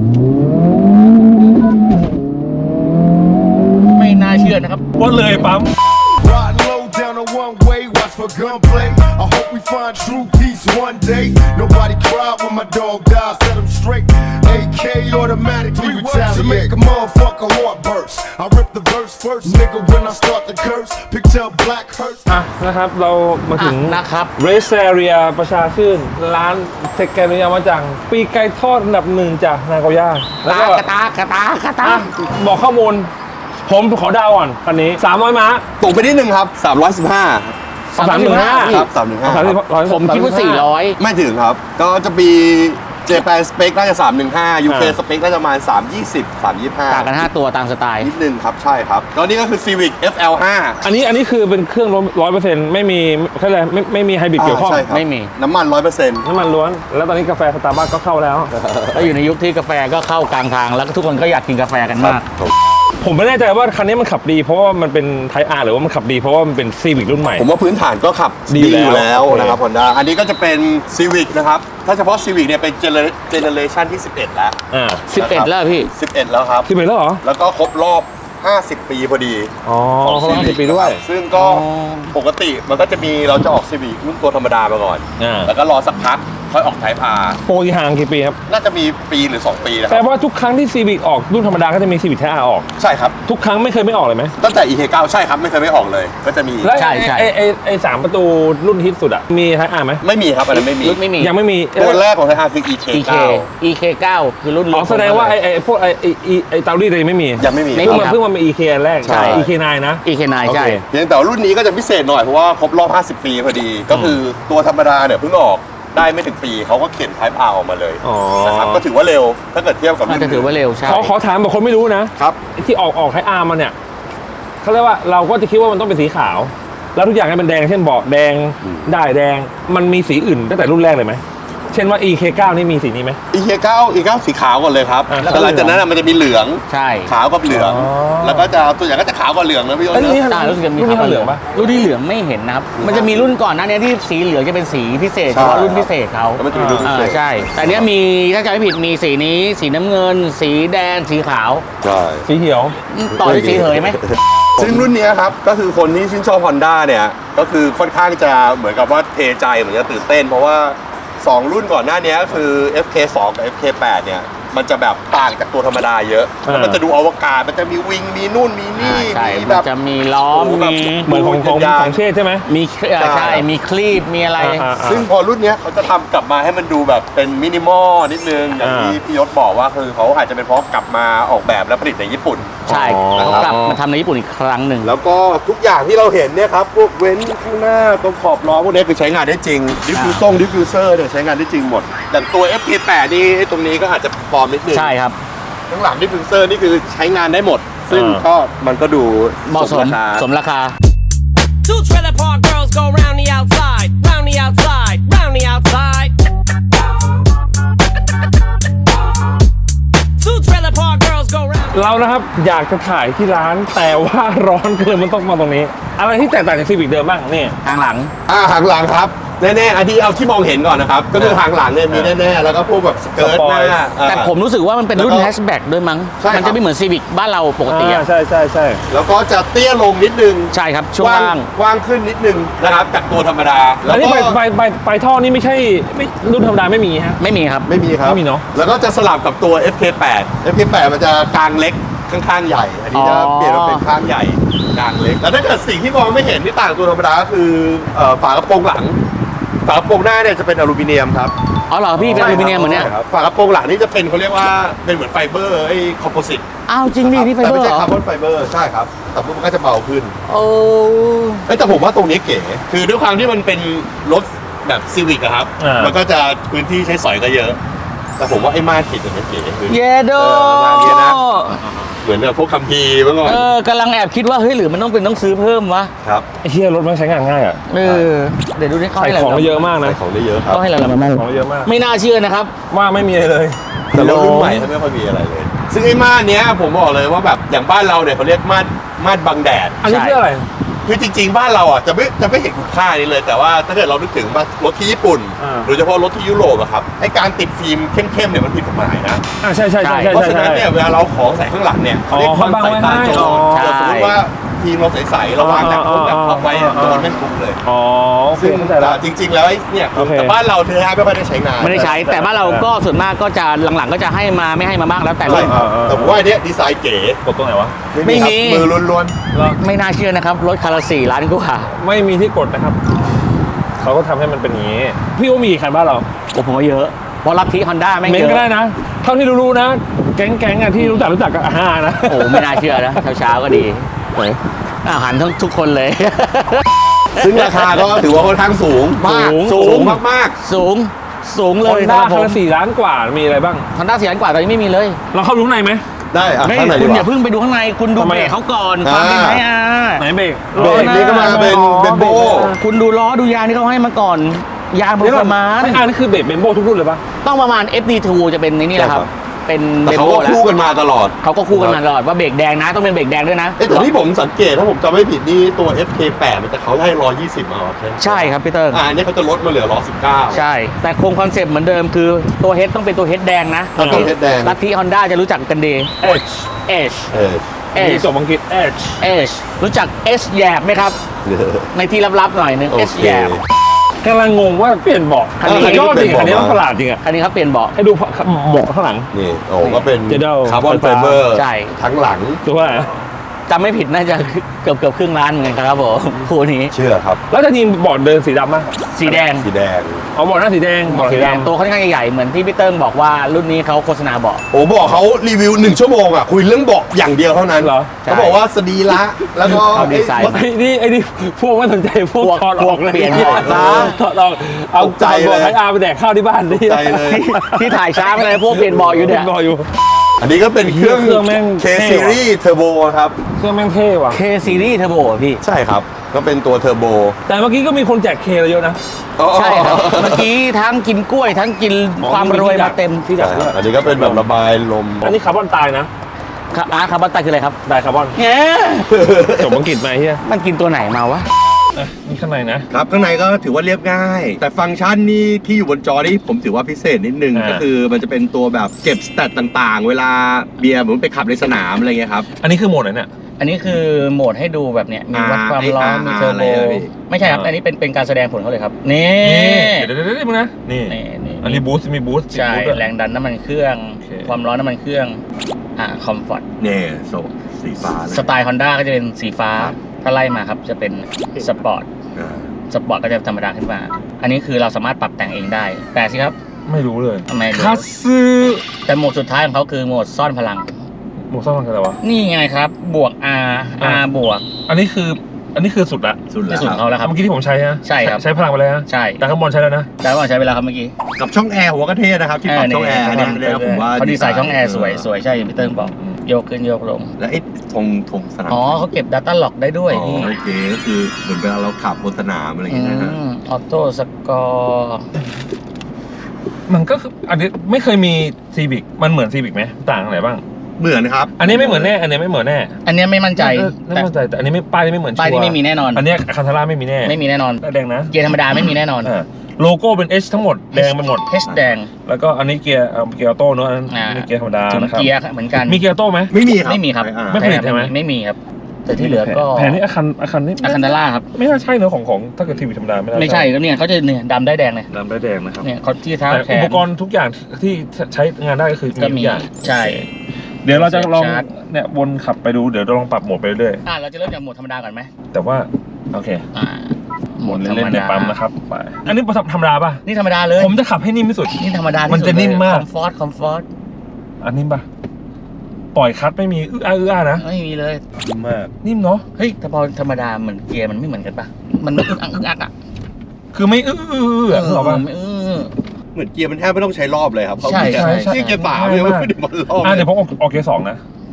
Speaker 3: ไม่น่าเชื่อนะครับ
Speaker 4: ว่าเลยปั๊ม
Speaker 6: Riding low down the one way, watch for gunplay. I hope we find true peace one day. Nobody cried when my dog died, set him straight. A K automatic, three words to make a motherfucker heart burst. I rip the verse first, nigga, when I start the curse. Picture a black hearse.
Speaker 4: อ่ะนะครับเรามาถึง
Speaker 3: อ่ะนะครับ
Speaker 4: เรสเซเรียประชาชื่น ร้านเทคแกนยามาจัง ปีกไก่ทอดอันดับหนึ่งจากนากาย่าแล้ว
Speaker 3: ตา
Speaker 4: ก็
Speaker 3: กระตากระตากระตา
Speaker 4: อ่ะบอกข้อมูล ผมขอดาวก่อนคันนี้สามร้อยม้า
Speaker 2: ตกไปนิดนึงครับสามร้อยสิบห้า
Speaker 4: สามหนึ่งห้า
Speaker 2: ครับสามหนึ่งห้า
Speaker 4: สามสิบร้อย
Speaker 3: ผมคิดว่าสี่ร้อย
Speaker 2: ไม่ถึงครับ ก็จะมีเจแปนสเปคน่าจะสามหนึ่งห้า ยู เค สเปคน่าจะประมาณสามยี่สิบ สามยี่สิบห้า
Speaker 3: ต่างกันห้าตัวตามสไตล์
Speaker 2: นิดนึงครับ ใช่ครับก็นี่ก็คือ Civic เอฟ แอล ห้า
Speaker 4: อันนี้อันนี้คือเป็นเครื่องร้อยเปอร์เซ็นต์ไม่มีแค่อะไรไม่ไม่มีไฮบริดเกี่ยวข้อง
Speaker 2: ใช่ครับ
Speaker 3: ไม่มี
Speaker 2: น้ำมันร้อยเปอร์เซ็นต์
Speaker 4: น้ำมันล้วน แล้วตอนนี้กาแฟสตาร์บัคก็เข้าแล้ว
Speaker 3: แล้วอยู่ในยุคที่กาแฟก็เข้ากลางทาง แล้วก็ทุกคนก็อยากกินกาแฟกันมาก
Speaker 4: ผมไม่แน่ใจว่าคันนี้มันขับดีเพราะว่ามันเป็นไทอาร์หรือว่ามันขับดีเพราะว่ามันเป็นซีวิกรุ่นใหม่
Speaker 2: ผมว่าพื้นฐานก็ขับ
Speaker 4: ดี
Speaker 2: ดี
Speaker 4: อยู่
Speaker 2: อยู่
Speaker 4: แล้
Speaker 2: แล้ว
Speaker 4: ว
Speaker 2: นะครับ Honda อันนี้ก็จะเป็น Civic นะครับ ถ้าเฉพาะ Civic เนี่ยเป็นเจเนเรชันที่สิบเอ็ดแล้ว
Speaker 4: อ่า
Speaker 3: สิบเอ็ดแล้วพี่
Speaker 2: สิบเอ็ดแล้วครับ
Speaker 4: ที่เป็นแล้วเหรอ
Speaker 2: แล้วก็ครบรอบ ห้าสิบ ปีพอดี
Speaker 4: อ๋อ
Speaker 2: ของ
Speaker 4: เขาห้าสิ
Speaker 2: Civic
Speaker 4: บปีด้วย
Speaker 2: นะครับซึ่งก็ปกติมันก็จะมีเราจะออก Civic รุ่นตัวธรรมดามาก่อน
Speaker 4: อ่า
Speaker 2: แล้วก็รอสักพักค่อยออกไทยพา
Speaker 4: โปรที่ห่างกี่ปีครับ
Speaker 2: น่าจะมีปีหรือ สอง ปีนะค
Speaker 4: แปล
Speaker 2: รับ
Speaker 4: ว่าทุกครั้งที่ซีวิกออกรุ่นธรรมดาก็จะมีซีวิกไทอาร์ออก
Speaker 2: ใช่ครับ
Speaker 4: ทุกครั้งไม่เคยไม่ออกเลยไหม
Speaker 2: ตั้งแต่ อี เค เก้า ใช่ครับ ไม่เคยไม่ออกเลย ก็จะมี
Speaker 4: แล้ว
Speaker 3: ใช่ใช่
Speaker 4: ไอ้ไอ้ไอ้ไอ้สามประตูรุ่นฮิตสุดอะมีไทอาร์ไหม
Speaker 2: ไม่มีครับ อันนั้นไม่มี
Speaker 3: รุ่นไม่มี
Speaker 4: ยังไม่มี
Speaker 2: ตัวแรกของไทยอาร์คือ อี เค
Speaker 3: อี เค
Speaker 2: เก้า
Speaker 3: อี เค เก้า คือรุ่น
Speaker 4: อ๋อแสดงว่าไอ้ไอ้พวกไอ้ไอ้ไอ้ไอ้เตารีดอะไรไม่มี
Speaker 2: ยังไม่มี
Speaker 3: ไม่
Speaker 4: เพิ่
Speaker 3: มี
Speaker 4: งมา
Speaker 3: ครับ
Speaker 4: เพิ่งมาเป็น อี เค อันแรก
Speaker 2: ใช่
Speaker 4: อี เค ไนน์ นะ
Speaker 3: อี เค ไนน์
Speaker 4: โอเค
Speaker 3: ใช่
Speaker 2: เพียงแต่ว่ารุ่นนี้ก็จะพิเศษหน่อยเพราะว่าครบรอบ ห้าสิบ ปีพอดี ก็คือตัวธรรมดาเนี่ยเพิ่งออกได้ไม่ถึงปีเขาก็เขียน Type R ออกมาเลย
Speaker 4: อ๋อ
Speaker 2: นะครับก็ถือว่าเร็วถ้าเกิดเทียบกับ
Speaker 3: น่า
Speaker 2: รุ่น
Speaker 3: จะถือว่าเร็วใช่
Speaker 4: ขอขอถามแบบคนไม่รู้นะ
Speaker 2: ครับ
Speaker 4: ที่ออกออกไทอาร์มาเนี่ยเขาเรียกว่าเราก็จะคิดว่ามันต้องเป็นสีขาว แล้วทุกอย่างเนี่ยเป็นแดงเช่นเบาะแดงได้ายแดงมันมีสีอื่นตั้งแต่รุ่นแรกเลยไหมเช่นว่า อี เค เก้า นี่มีสีนี้ไหม
Speaker 2: อี เค เก้า อี เค เก้า สีขาวก่อนเลยครับ
Speaker 4: อ่ะ
Speaker 2: แล้วหลังจากนั้นอะมันจะมีเหลือง
Speaker 3: ใช่
Speaker 2: ขาวกับเหลือง
Speaker 4: อ๋อ
Speaker 2: แล้วก็จะตัวอย่างก็จะขาวกับเหลืองนะพี่โอ๊ต
Speaker 4: เอ้ยนี่
Speaker 2: นะ
Speaker 3: อ่ารู้สึกจะมี
Speaker 4: รุ่นนี้
Speaker 3: คำว่า
Speaker 4: เหลืองปะ
Speaker 3: รุ่นที่เหลืองไม่เห็นนะครับ มันจะมีรุ่นก่อนหน้านี้ที่สีเหลืองจะเป็นสีพิเศษ
Speaker 2: ใช่
Speaker 3: เฉพาะรุ่นพิเศษเขา
Speaker 2: แล้วมันจะมีรุ่นพิ
Speaker 3: อ่า
Speaker 2: เศษ
Speaker 3: ใช่ แต่เนี้ยมีถ้าจำไม่ผิดมีสีนี้ สีน้ำเงิน สีแดง สีขาว
Speaker 2: ใช่
Speaker 4: สีเขียว
Speaker 3: ต่อด้วยสีเหยไหม
Speaker 2: ซึ่งรุ่นเนี้ยครับก็คือคนที่ชื่นชอบ Honda เนี่ยก็คือค่อนข้างจะเหมือนกับว่าเทใจเหมือนจะตื่นเต้น เพราะว่าสองรุ่นก่อนหน้านี้ก็คือ เอฟ เค สอง กับ เอฟ เค แปด เนี่ยมันจะแบบต่างจากตัวธรรมดาเยอะแล้วมันจะดูอวกาศมันจะมีวิงมีนู่นมีนี่
Speaker 3: ใช่
Speaker 2: มี
Speaker 3: มั
Speaker 2: แบ
Speaker 3: น
Speaker 2: บ
Speaker 3: จะมีล้อ
Speaker 2: โอ้โหแบบ
Speaker 3: มี
Speaker 4: เหมือนของของของเชษใช่ไหม
Speaker 3: มีเอ่อใช่มีคลีปมีอะไร
Speaker 4: อ่า
Speaker 2: ซึ่งพอรุ่นเนี้ยเขาจะทำกลับมาให้มันดูแบบเป็นมินิมอลนิดนึงอย่างที่
Speaker 4: อ่า
Speaker 2: พี่ยศบอกว่าคือเขาอาจจะเป็นเพราะกลับมาออกแบบและผลิตในญี่ปุ่น
Speaker 3: ใช่
Speaker 4: อ๋อ
Speaker 3: เขากลับมาทำในญี่ปุ่นอีกครั้งหนึ่ง
Speaker 2: แล้วก็ทุกอย่างที่เราเห็นเนี่ยครับพวกเว้นข้างหน้าตรงขอบล้อพวกนี้คือใช้งานได้จริงดิฟฟิวซ่งดิฟฟิวเซอร์เนี่ยใช้งานได้จริงหมดอย่างตัว เอฟ เค แปด นี่ไอ้ตรงนี้ก็อาจจะปลอมนิดนึง
Speaker 3: ใช่ครับ
Speaker 2: ข้างหลังดิฟฟิวเซอร์นี่คือใช้งานได้หมด ซึ่ง
Speaker 4: อ่า
Speaker 2: ก็มันก็ดู
Speaker 3: เหมาะสม
Speaker 2: ราคา
Speaker 3: สมราคา
Speaker 7: Two trailer park girls go round the outside, round the outside, round the outside. Two trailer park girls go round.
Speaker 4: เรานะครับอยากจะถ่ายที่ร้านแต่ว่าร้อนเกินมันต้องมาตรงนี้ อะไรที่แตกต่างจากซีวิกเดิมบ้างนี่
Speaker 3: ทางหลัง
Speaker 2: อ่าหางหลังครับแน่ๆอันที่เอาที่มองเห็นก่อนนะครับก็คือหางหลังเนี่ยมีแน่ๆแล้วก็พวกแบบสเกิร์ตหน้าอ่า
Speaker 3: แต่ผมรู้สึกว่ามันเป็นรุ่น
Speaker 2: แล้วก็
Speaker 3: แฮชแบ็กด้วยมั้ง
Speaker 2: ใช่ครับ
Speaker 3: มันจะไม่เหมือนซีวิกบ้านเราปกติ
Speaker 4: อ่า
Speaker 3: อะ
Speaker 4: ใช่ใช่ใช่
Speaker 2: แล้วก็จะเตี้ยลงนิดนึง
Speaker 3: ใช่ครับช่วงล่าง
Speaker 2: กว้างขึ้นนิดนึงนะครับจากตัวธรรมดา
Speaker 4: อันนี้
Speaker 2: ก็
Speaker 4: ไปไปไปไปท่อนี่ไม่ใช่ไม่รุ่นธรรมดาไม่มีฮะ
Speaker 3: ไม่มีครับ
Speaker 2: ไม่มีครับ
Speaker 4: ไม่มีเนอะ
Speaker 2: แล้วก็จะสลับกับตัว เอฟ เค แปด เอฟ เค แปด มันจะกลางเล็กข้างๆใหญ่ อันนี้จะ
Speaker 3: อ๋อ
Speaker 2: เปลี่ยนมาเป็นข้างใหญ่กลางเล็ก แล้วถ้าเกิดสิ่งที่มองไม่เห็นที่ต่างตัวธรรมดาก็คือเอ่อฝากระโปรงหลัง ฝากระโปรงหน้าเนี่ยจะเป็นอลูมิเนียมครับ
Speaker 3: อ๋อเหรอพี่เป็นอลูมิเนียมเหมือนเนี่ย
Speaker 2: ใช่ครับฝากระโปรงหลังนี่จะเป็นเขาเรียกว่าเป็นเหมือนไฟเบอร์ไอ้คอมโพสิต
Speaker 3: อ้าวจริงดิพี่ไฟ
Speaker 2: แต่
Speaker 3: เบอ
Speaker 2: ไม่
Speaker 3: ร์
Speaker 2: ใช่
Speaker 3: เหรอ
Speaker 2: คาร์บอนไฟเบอร์ใช่ครับแต่มันก็จะเบาขึ้น
Speaker 3: โอ้
Speaker 2: เอ้ยแต่ผมว่าตรงนี้เก๋ คือด้วยความที่มันเป็นรถแบบซีวิกอะครับ
Speaker 4: อ่ามั
Speaker 2: มันก็จะพื้นที่ใช้สอยก็เยอะ แต่ผมว่าไอ้ม่านผิดเนี่ยมันเก๋คือ
Speaker 3: เยโด
Speaker 2: เออประมาณนี้นะ เหมือนแบบพวกคัมภีร์เมื่อก่อน
Speaker 3: เออกำลังแอบคิดว่าเฮ้ยหรือมันต้องเป็นต้องซื้อเพิ่มวะ
Speaker 2: ครับ
Speaker 4: ไอ้เฮียรถมันใช้งานง่ายอ่ะ
Speaker 3: เออเดี๋ยวดูได้เขา
Speaker 4: ใส่
Speaker 3: ให้อะไร
Speaker 4: ของ
Speaker 3: เรา
Speaker 4: ได้เยอะมากนะ
Speaker 2: ใส่ของได้เยอะครับ
Speaker 3: เขาให้อะไรเรามาบ้าง
Speaker 4: ของได้เยอะมาก
Speaker 3: ไม่น่าเชื่อนะครับ
Speaker 4: ว่าไม่มีอะไรเลย
Speaker 2: แต่รถรุ่นใหม่ถ้าไม่ค่อยมีอะไรเลย ซึ่งไอ้ม่านเนี้ยผมบอกเลยว่าแบบอย่างบ้านเราเนี่ยเขาเรียกม่านม่านบังแดด
Speaker 4: อันนี้
Speaker 3: ใช่
Speaker 4: คืออะไร
Speaker 2: คือจริงๆ บ้านเราอ่ะจะไม่จะไม่เห็นคุณค่านี้เลย แต่ว่าถ้าเกิดเรานึกถึงว่ารถที่ญี่ปุ่น
Speaker 4: อ่า
Speaker 2: โดยเฉพาะรถที่ยุโรปอะครับไอการติดฟิล์มเข้มๆเนี่ยมันผิดกฎหมายนะ
Speaker 4: อ่าใช่ใช่ใช่ใช่
Speaker 2: เพราะ
Speaker 4: ใช่
Speaker 2: ฉะนั้นเนี่ยเวลาเราของใส่ข้างหลังเนี่ยเขาเรียก
Speaker 4: อ๋อ
Speaker 2: ความ
Speaker 4: เขาบัง
Speaker 2: ใส่
Speaker 4: ไว้
Speaker 2: ตา
Speaker 4: ให้
Speaker 2: โจร
Speaker 3: ใช่
Speaker 2: เราสมมติว่าฟิล์มเราใสๆเราวางแบบพวกแบบพับไว้อะ
Speaker 4: อ่า
Speaker 2: โดนแม่งทุบเลย
Speaker 4: อ๋อโอเค
Speaker 2: ซึ่ง
Speaker 4: เข้าใจแล้ว
Speaker 2: จริง ๆ แล้วไอ้เนี่ย
Speaker 4: โอเค
Speaker 2: แต่บ้านเราแท้ๆไม่ค่อยได้ใช้งาน
Speaker 3: ไม่ได้ใช้แต่บ้านเราก็ส่วนมากก็จะหลังๆก็จะให้มาไม่ให้มาบ้างแล้วแต่
Speaker 2: ใช่
Speaker 3: รุ่น
Speaker 2: ครับแต่ผมว่าอันเนี้ยดีไซน์เก๋
Speaker 4: กดตรงไหนวะ
Speaker 3: ไม่มี
Speaker 2: ครับมือล้วน
Speaker 3: ไม่น่าเชื่อนะครับรถคาราสี่ล้านกว่า
Speaker 4: ไม่มีที่กดนะครับ เขาก็ทำให้มันเป็นอย่างนี้ พี่ว่ามีกี่คันบ้านเรา
Speaker 3: โอ้ผมว่าเยอะเพราะลัทธิฮอนด้าแม่ง
Speaker 4: เม้น
Speaker 3: เย
Speaker 4: ก็ได้
Speaker 3: อะ
Speaker 4: นะ เท่าที่รู้ๆนะ แก๊งๆอ่ะที่รู้จักรู้จักก็ห้านะ
Speaker 3: โอ้ไม่น่าเชื่อนะเช้าๆก็ดีอาหารทั้งทุกคนเลย
Speaker 2: ๆ ซึ่งราคาก็ถือว่าค่อนข้างสูงมาก
Speaker 4: สูง
Speaker 2: สูงมาก
Speaker 3: สูงสูงเล
Speaker 4: ฮอย นด้า
Speaker 3: สำหรับผ
Speaker 4: คัน
Speaker 3: ม
Speaker 4: ละสี่ล้านกว่ามีอะไรบ้าง
Speaker 3: ฮอนด้าสี่ล้านกว่าตอนนี้ไม่มีเลย
Speaker 4: เราเข้ารู้ข้างในไหม
Speaker 2: ๆ ได้อะ
Speaker 3: ไม่
Speaker 2: ข้างใน
Speaker 3: คุ
Speaker 2: ดี
Speaker 3: ณ
Speaker 2: ก
Speaker 3: อย่า
Speaker 2: ว่า
Speaker 3: เพิ่งไปดูข้างในคุณดู
Speaker 4: ทำไม
Speaker 3: เบรกเขาก่อนความเป็น
Speaker 2: อ่า
Speaker 3: ไงอ่ะ
Speaker 4: ไหนเบรก
Speaker 2: เบรกนี้ก็มาเป็น
Speaker 4: อ๋อ
Speaker 2: เป็นโบ
Speaker 3: คุณดูล้อดูยางที่เขาให้มาก่อน ยางประมาณ
Speaker 4: ไม่อ่านนี่คือเบรกเบมโบทุกรุ่นเลยปะ
Speaker 3: ต้องประมาณ เอฟ ดี ทู จะเป็นในนี่แหละครับ
Speaker 2: ใช่ครับ
Speaker 3: เป็น
Speaker 2: แต่
Speaker 3: เบ
Speaker 2: เขา
Speaker 3: โบ
Speaker 2: ก็
Speaker 3: แล้ว
Speaker 2: คู่กันมาตลอด
Speaker 3: เขาก็คู่กันมาตลอดว่าเบรกแดงนะต้องเป็นเบรกแดงด้วยนะ
Speaker 2: เอ้ยแต่ที่ผมสังเกตถ้าผมจำไม่ผิดนี่ตัว เอฟ เค แปด มันจะเขาให้ร้อยยี่สิบมาใช่ไหม
Speaker 3: ใช่ครับพี่เติ้ง
Speaker 2: อ่าอันนี้เขาจะลดมาเหลือร้อยสิบเก้า
Speaker 3: ใช่ แต่คงคอนเซ็ปต์เหมือนเดิมคือตัวเฮดต้องเป็นตัวเฮดแดงนะ
Speaker 2: ต้องเป็น head แดง
Speaker 3: ลัทธิฮอนด้าจะรู้จักกันดี
Speaker 4: H
Speaker 3: H
Speaker 2: เออ
Speaker 4: มี
Speaker 3: H
Speaker 4: จบอังกฤษ H
Speaker 3: H รู้จัก S แยบไหมครับ ในที่ลับๆหน่อยนึง
Speaker 2: โอ
Speaker 3: S
Speaker 2: เค
Speaker 3: แยบ
Speaker 4: กำลังงงว่าเปลี่ยนเบาะ
Speaker 3: คันนี้
Speaker 4: สุดยอดจริง
Speaker 2: เปลี่
Speaker 4: อั
Speaker 2: ย
Speaker 4: น
Speaker 2: น
Speaker 4: นี้
Speaker 2: เบาะ
Speaker 4: ต้องประหลาดจริงอ่ะ
Speaker 3: คันนี้เขาเปลี่ยนเบาะ
Speaker 4: ให้ดูเบาะข้างหลัง
Speaker 2: นี่โอ้ก็เป็น
Speaker 4: เจโด
Speaker 2: คาร์บอนไฟเบอร์
Speaker 3: ใช่
Speaker 2: ทั้งหลัง
Speaker 4: ตัวว่าอะไร
Speaker 3: จำไม่ผิดน่าจะเกือบเกือบครึ่งล้านเหมือนกันครับผมคู่นี้
Speaker 2: เชื่อครับ
Speaker 4: แล้วจะทีมเบาะเดินสีดำมั้ย
Speaker 3: สีแดง
Speaker 2: สีแดง
Speaker 4: เอาเบาะหน้าสีแดงเบาะ
Speaker 3: สี
Speaker 4: สี
Speaker 3: แดง
Speaker 4: ดำ
Speaker 3: ตัวค่อนข้างใหญ่ๆเหมือนที่พี่เติ้งบอกว่ารุ่นนี้เขาโฆษณาเบาะ
Speaker 2: โอ้บอกเขารีวิวหนึ่งชั่วโมงอ่ะคุยเรื่องเบาะอย่างเดียวเท่านั้น
Speaker 4: เหรอ
Speaker 2: เขาบอกว่าสดีละแล้วก็
Speaker 3: เอาดีไซน์
Speaker 2: รถ
Speaker 4: ไอ้นี่ไอ้นี่พวกไม่สนใจพวก
Speaker 3: พวก
Speaker 4: ถอดออกเลย
Speaker 3: เปลี่ยนเบาะซะ
Speaker 4: ถอดออกเอา
Speaker 2: ตกใจเลย
Speaker 4: ไอ้อาไปแดกข้าวที่บ้านดิ
Speaker 2: ใจเลย
Speaker 3: ที่ที่ถ่ายช้าไปเลยพวกเปลี่ยนเบาะอยู่เนี่ย
Speaker 4: เบาะอยู่
Speaker 2: อันนี้ก็เป็นเครื่อง
Speaker 4: เครื่องแม่ง
Speaker 2: K Series Turbo ครับ
Speaker 4: เครื่องแม่งเท่ว่ะ
Speaker 3: K Series Turbo อะพี่
Speaker 2: ใช่ครับ ก็เป็นตัวเทอร์โบ
Speaker 4: แต่เมื่อกี้ก็มีคนแจกเคเราเยอะนะ
Speaker 3: ใช่ครับ เมื่อกี้ทั้งกินกล้วยทั้งกินความรวยมาเต็ม
Speaker 4: ที่
Speaker 2: ใช่
Speaker 4: ดัก
Speaker 2: ค
Speaker 4: ด้
Speaker 2: รั
Speaker 4: ว
Speaker 2: บ
Speaker 4: ย
Speaker 2: อันนี้ก็เป็นแบบระบายลม
Speaker 4: อันนี้คาร์บอนตายนะ
Speaker 3: ครับอาร์คาร์บอนไตคืออะไรครับ
Speaker 4: ไดคาร์บอน
Speaker 3: เฮ้ย
Speaker 4: จบอังกฤษมาเฮีย
Speaker 3: มันกินตัวไหนมาวะ
Speaker 4: อ่ะนี่ข้างในนะ
Speaker 2: ครับข้างในก็ถือว่าเรียบง่าย แต่ฟังก์ชันนี่ที่อยู่บนจอนี่ผมถือว่าพิเศษนิดนึง
Speaker 4: อ่า
Speaker 2: ก็คือมันจะเป็นตัวแบบเก็บสแตทต่างๆ เวลาเบียร์เหมือนไปขับในสนามอะไรเงี้ยครับ
Speaker 4: อันนี้คือโหมดไหนเนี่ย
Speaker 3: อันนี้คือโหมดให้ดูแบบเนี้ย มีวัดความร้อน
Speaker 2: อ่า
Speaker 3: มีเทอร์
Speaker 2: อะไร
Speaker 3: โบ
Speaker 2: อะพี่
Speaker 3: ไม่ใช่ครับ
Speaker 4: อ่า
Speaker 3: อันนี้เป็นเป็นการแสดงผลเขาเลยครับ นี่
Speaker 4: เดี๋ยวเดี๋ยวเดี๋ยวมึงนะ นี่
Speaker 3: นี่นี่
Speaker 4: อันนี้บูสต์มีบูสต์
Speaker 3: ใช่
Speaker 4: บูสต์ด้วย
Speaker 3: แรงดันน้ำมันเครื่อง
Speaker 4: โอเค
Speaker 3: ความร้อนน้ำมันเครื่องอ่าคอมฟอร์ต
Speaker 2: เนี่ยโซสีฟ้าเลย
Speaker 3: สไตล์ Honda ก็จะเป็นสีฟ้า ถ้าไล่มาครับจะเป็นสปอร์ต
Speaker 2: อ่า
Speaker 3: สปอร์ตก็จะธรรมดาขึ้นมา อันนี้คือเราสามารถปรับแต่งเองได้ แต่สิครับ
Speaker 4: ไม่รู้เลย
Speaker 3: ทำไมรู้
Speaker 4: คัตซึ
Speaker 3: แต่โหมดสุดท้ายของเขาคือโหมดซ่อนพลัง
Speaker 4: หมวกซ่อนกันอะไรวะ
Speaker 3: นี่ไงครับ บวก R R บวก
Speaker 4: อันนี้คืออันนี้คือสุดละ
Speaker 2: สุดแล้ว
Speaker 3: ที่สุด
Speaker 2: ค
Speaker 3: ของเขา
Speaker 2: รับ
Speaker 3: แล้วครับ
Speaker 4: เมื่อกี้ที่ผมใช้ฮะ
Speaker 3: ใช่ครับ
Speaker 4: ใช้พลังไปเลยฮะ
Speaker 3: ใช่
Speaker 4: แต่ข้างบนใช้แล้วนะ
Speaker 3: แต่ว่าใช้เวลาครับเมื่อกี้
Speaker 2: กับช่องแอร์หัวกระเทศนะครับ ที่ปรับช่องแอร์เนี่ยเนี่ยผมว่า
Speaker 3: เขาดีไซน์ช่องแอร์สวยสวยใช่พี่เติ้งบอก โยกขึ้นโยกลง
Speaker 2: และไอ้ธงธงสนาม
Speaker 3: อ๋อเขาเก็บ Data Log ได้ด้วย
Speaker 2: อ๋อ
Speaker 3: นี่
Speaker 2: โอเคก็คือเหมือนเวลาเราขับบนสนามอะไรอย่าง
Speaker 3: อื
Speaker 2: เงี้ยนะฮะ
Speaker 3: มออโต้สกอร์
Speaker 4: มันก็คืออันนี้ไม่เคยมีซีบิกมันเหมือนซีบิกไหมต่างกันไหนบ้าง
Speaker 2: เหมือนครับ
Speaker 4: อันนี้ไม่เหมือนแน่อันนี้ไม่เหมือนแน่
Speaker 3: อันเนี้ยไม่มั่นใจ
Speaker 4: เออไม่
Speaker 3: แต่
Speaker 4: มั่นใจแต่อันนี้ไม่ป้ายนี่ไม่เหมือน
Speaker 3: ป้าย
Speaker 4: ชัว
Speaker 3: นี่
Speaker 4: ร์
Speaker 3: ไม่มีแน่นอน
Speaker 4: อันเนี้ยคันธาร่าไม่มีแน่
Speaker 3: ไม่มีแน่นอน
Speaker 4: แดงนะ
Speaker 3: เกียร์ธรรมดาไม่มีแน่นอน
Speaker 4: อ่าโลโก้เป็น H ทั้งหมดแดงไปหมด
Speaker 3: H แดง
Speaker 4: แล้วก็อันนี้เกียร์เอ่อเกียร์ออโต้เนอะอันนั้น
Speaker 3: อ่า
Speaker 4: นี่เกียร์ธรรมดา
Speaker 3: ถึง
Speaker 4: นะครับ
Speaker 3: เกียร์เหมือนกัน
Speaker 4: มีเกียร์ออโต้ไหม
Speaker 2: ไม่มีครับ
Speaker 3: ไม่มีครับ
Speaker 2: อ่า
Speaker 4: ไม่ผลิตใช่ไหม
Speaker 3: ไม่มีครับ แต่ที่เหลือก็
Speaker 4: แผนนี้อาคันอาคันนี่
Speaker 3: อะคันดาร่าครับ
Speaker 4: ไม่น่าใช่เนอะของของถ้าเกิดทีวีธรรมดาไม่น่า
Speaker 3: ไม่ใช่ก็เนี่ยเขาจะเนี่ยดำได้แดงเลย
Speaker 4: ดำได้แดงนะครับ
Speaker 3: เนี่ยเขาที่เท้า
Speaker 4: แต่
Speaker 3: แข
Speaker 4: อุ
Speaker 3: น
Speaker 4: ปกรณ์ทุกอย่างที่ใช้งานได้ก็คือ
Speaker 3: ก็
Speaker 4: มี
Speaker 3: มี
Speaker 4: ทุกอย่าง
Speaker 3: ใช่
Speaker 4: เดี๋ยวเราจะลอง
Speaker 3: ชาร์จ
Speaker 4: เนี่ยวนขับไปดูเดี๋ยวเราลองปรับโหมดไปเรื่อย
Speaker 3: อ่าเราจะเริ่มจากโหมดธรรมดาก่อนไหม
Speaker 4: แต่ว่าโอเค
Speaker 3: อ่า
Speaker 4: โหมดเล่นๆในปั๊มนะครับไปอันนี้ธรรมดาป่ะ
Speaker 3: นี่ธรรมดาเลย
Speaker 4: ผมจะขับให้นิ่มที่สุด
Speaker 3: นี่ธรรมดา
Speaker 4: มั
Speaker 3: มัน
Speaker 4: จะนิ่มมาก
Speaker 3: คอมฟอร์ตคอมฟอร์ต
Speaker 4: อันนิ่มป่ะปล่อยคลัตช์ไม่มีอื้ออ้าอื้ออ้านะ
Speaker 3: ไม่มีเลย
Speaker 2: นิ่มมาก
Speaker 4: นิ่มเนาะ
Speaker 3: เฮ้ยแต่พอธรรมดาเหมือนเกียร์มันไม่เหมือนกันปะมันไม่อึกอักอึกอักอ่ะ
Speaker 4: คือไม่อื้ออื้ออื้อนึกออกป่ะ
Speaker 3: ไม่เออ
Speaker 2: เหมือนเกียร์มันแทบไม่ต้องใช้รอบเลยครับเขา
Speaker 3: ใช่
Speaker 2: เกียร์
Speaker 3: ใช่ใช่
Speaker 2: นี่เกียร์สามเลยไม่ได้บอลรอบ
Speaker 4: อ่ะเดี๋ยวผมออกออกเกียร์สองนะ